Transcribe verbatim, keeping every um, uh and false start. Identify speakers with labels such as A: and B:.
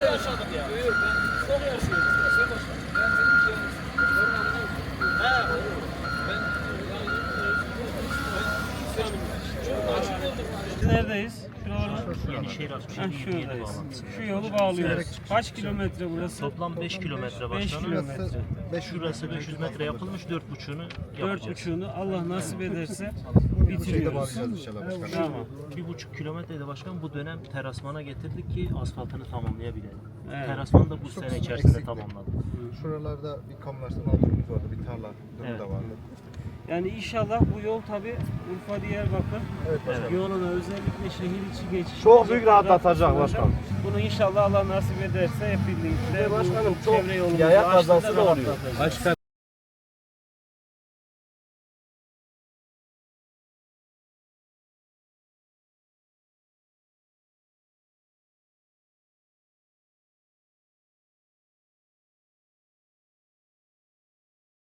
A: Yaşadık ya. Çok yaşıyoruz. Sen başla. Ben senin
B: Neredeyiz?
C: Yenişehir altmış yedi yirmi yedi
B: şuradayız.
C: bağlantısı.
B: Şu yolu bağlıyoruz. Kaç kilometre burası?
C: Toplam beş kilometre
B: beş
C: başkanım.
B: kilometre.
C: Şurası beş yüz metre yapılmış, dört buçuğunu
B: Dört
C: yapacağız.
B: buçuğunu Allah nasip ederse
D: Şeyde
B: bitiriyoruz.
D: bağlayacağız inşallah başkanım.
B: Tamam.
C: Bir buçuk kilometrede başkan bu dönem terasmana getirdik ki asfaltını tamamlayabilelim.
B: Evet.
C: Terasman da bu sene içerisinde
D: eksikti.
C: tamamladık.
D: Şuralarda bir kamulaştırma altımız vardı, bir tarla durumu
C: Evet.
D: da vardı.
B: Yani inşallah bu yol tabi Urfa Diyarbakır
D: Evet başkanım.
B: yoluna özellikle şehir içi geçiş.
E: Çok büyük rahatlatacak başkanım.
B: Bunu inşallah Allah nasip ederse hep birlikte bu
E: Başkanım çok
B: çevre yolumuzu
E: yaya
B: açtığında
E: kazası da oluyor.
B: rahatlatacağız.